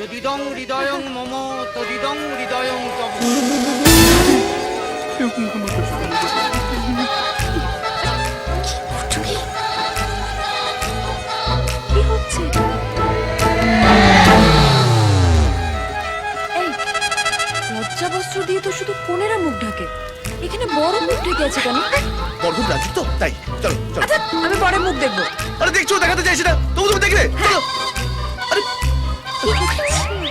তদিদং হৃদয়ং মম তদিদং হৃদয়ং তব। কি হচ্ছে? এই লজ্জা বস্ত্র দিয়ে তো শুধু কোনেরা মুখ ঢাকে, এখানে বড় মুখ ঢেকে আছে কেন? বরগুন রাজু তো তাই। চলো চলো। আচ্ছা আমি পরে মুখ দেখবো। আরে দেখছো, দেখাতে চাইছি না, তবু তুমি দেখলে। চলো। আরে কি হচ্ছে?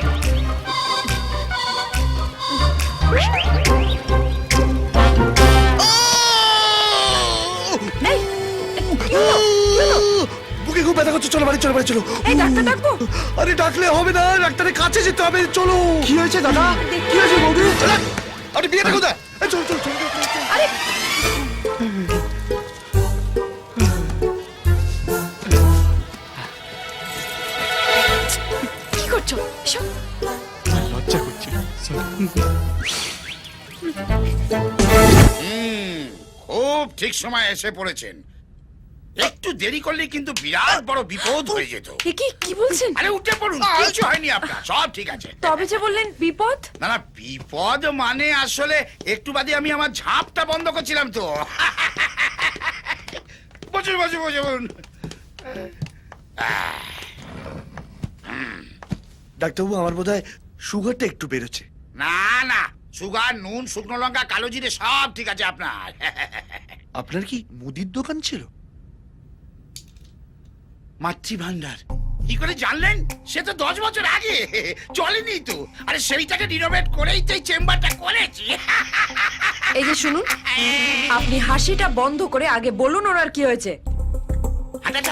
এই, কি হলো? কি হলো? বুকে খুব ব্যথা করছে, চলো বাড়ি চলো, বাড়ি চলো। এই ডাক্তার ডাকবো? আরে ডাকলে হবে না, ডাক্তারের কাছে যেতে হবে, চলো। কি হয়েছে দাদা? কি হয়েছে বৌদি? চলো। আপনি বিয়েটা কোথায়? চল চল চল। আরে কি করছো? এসব লজ্জা করছে। খুব ঠিক সময় এসে পড়েছেন। একটু দেরি করলে কিন্তু বিরাট বড় বিপদ হয়ে যেত। এ কি বলছেন? আরে উঠে পড়ুন, কিছু হয়নি আপনার, সব ঠিক আছে। তবে যে বললেন বিপদ। না না, বিপদ মানে আসলে একটু বাদে আমি আমার ঝাঁপটা বন্ধ করছিলাম তো। বসুন বসুন বসুন। ডাক্তারবাবু, আমার বোধহয় সুগারটা একটু বেড়েছে। না না, সুগার, নুন, শুকনো লঙ্কা, কালো জিরে সব ঠিক আছে আপনার। আপনার কি মুদির দোকান ছিল? মাতৃভান্ডার কি করে জানলেন? সে তো 10 বছর আগে চলেনি তো। আরে সেইটাকে রিনোভেট করেই তো এই চেম্বারটা করেছি। এই যে শুনুন, আপনি হাসিটা বন্ধ করে আগে বলুন ওনার কি হয়েছে। আচ্ছা,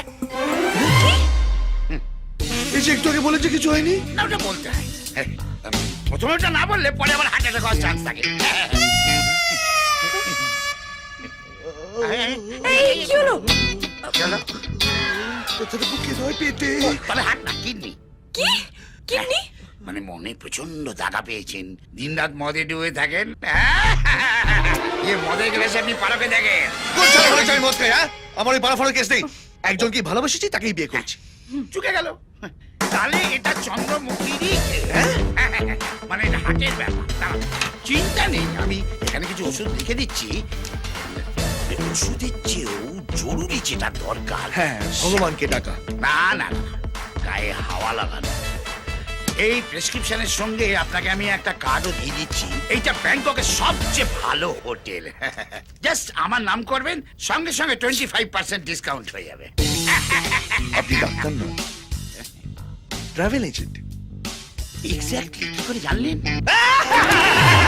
এই যে একটু আগে বলেছে কিছু হয়নি। না ওটা বলতে হয়। প্রথমে ওটা না বললে পরে আবার হার্ট অ্যাটাক হওয়ার চান্স থাকে। এই কি হলো? চলো, কোথায় বুকে নয়, পেটে। তবে হার্ট না, কিডনি। কি কিডনি? মানে মনে প্রচন্ড দাগা পেয়েছেন, দিনরাত মদে ডুবে থাকেন। মদে গেলে আপনি পারকে দেখেন। কোন ছেলে বলেছে আমি মদ খাই? হ্যাঁ, আমার ওই পাড়া ফাড়ার কেস নেই। একজনকে ভালোবেসেছি, তাকেই বিয়ে করেছি। চুকে গেল। তাহলে এটা চন্দ্রমুখীরই মানে হাটের ব্যাপার। দাঁড়াও, চিন্তা নেই, আমি এখানে কিছু ওষুধ লিখে দিচ্ছি। ওষুধের চেয়েও জরুরি যেটা দরকার, হ্যাঁ, ভগবানকে ডাকা। না না না, গায়ে হাওয়া লাগানো। এই প্রেসক্রিপশনের সঙ্গে আপনাকে আমি একটা কার্ডও দিয়ে দিচ্ছি। এইটা ব্যাংককের সবচেয়ে ভালো হোটেল। জাস্ট আমার নাম করবেন, সঙ্গে সঙ্গে 25% ডিসকাউন্ট হয়ে যাবে। আপনি ডাক্তার না, ট্রাভেল এজেন্ট। এক্স্যাক্টলি, কি করে জানলেন?